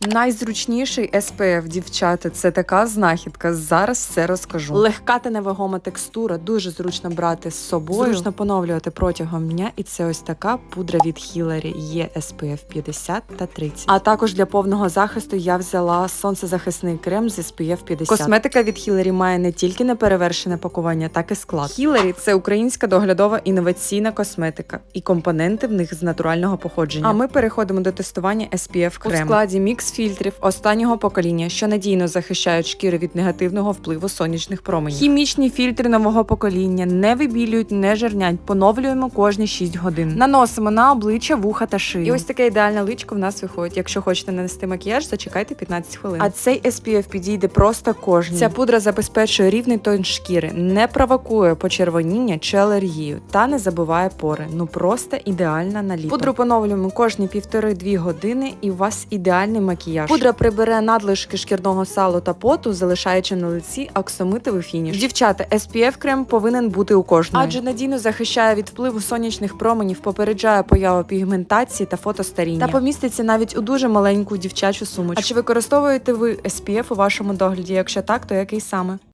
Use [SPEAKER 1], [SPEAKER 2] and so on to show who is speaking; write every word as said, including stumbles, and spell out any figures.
[SPEAKER 1] Найзручніший ес пі еф, дівчата, це така знахідка. Зараз все розкажу. Легка та невагома текстура, дуже зручно брати з собою, зручно поновлювати протягом дня. І це ось така пудра від Hillary. Є ес пі еф п'ятдесят та тридцять. А також для повного захисту я взяла сонцезахисний крем з ес пі еф п'ятдесят. Косметика від Hillary має не тільки неперевершене пакування, так і склад. Hillary – це українська доглядова інноваційна косметика. І компоненти в них з натурального походження. А ми переходимо до тестування ес пі еф крему. У складі мікс фільтрів останнього покоління, що надійно захищають шкіру від негативного впливу сонячних променів. Хімічні фільтри нового покоління не вибілюють, не жирнять. Поновлюємо кожні шість годин. Наносимо на обличчя, вуха та шию. І ось таке ідеальне личко в нас виходить. Якщо хочете нанести макіяж, зачекайте п'ятнадцять хвилин. А цей ес пі еф підійде просто кожній. Ця пудра забезпечує рівний тон шкіри, не провокує почервоніння чи алергію та не забиває пори. Ну просто ідеальна на літо. Пудру поновлюємо кожні півтори-дві години і у вас ідеальний макіяж. Пудра прибере надлишки шкірного салу та поту, залишаючи на лиці оксамитовий фініш. Дівчата, ес пі еф крем повинен бути у кожної. Адже надійно захищає від впливу сонячних променів, попереджає появу пігментації та фотостаріння. Та поміститься навіть у дуже маленьку дівчачу сумочку. А чи використовуєте ви ес пі еф у вашому догляді? Якщо так, то який саме?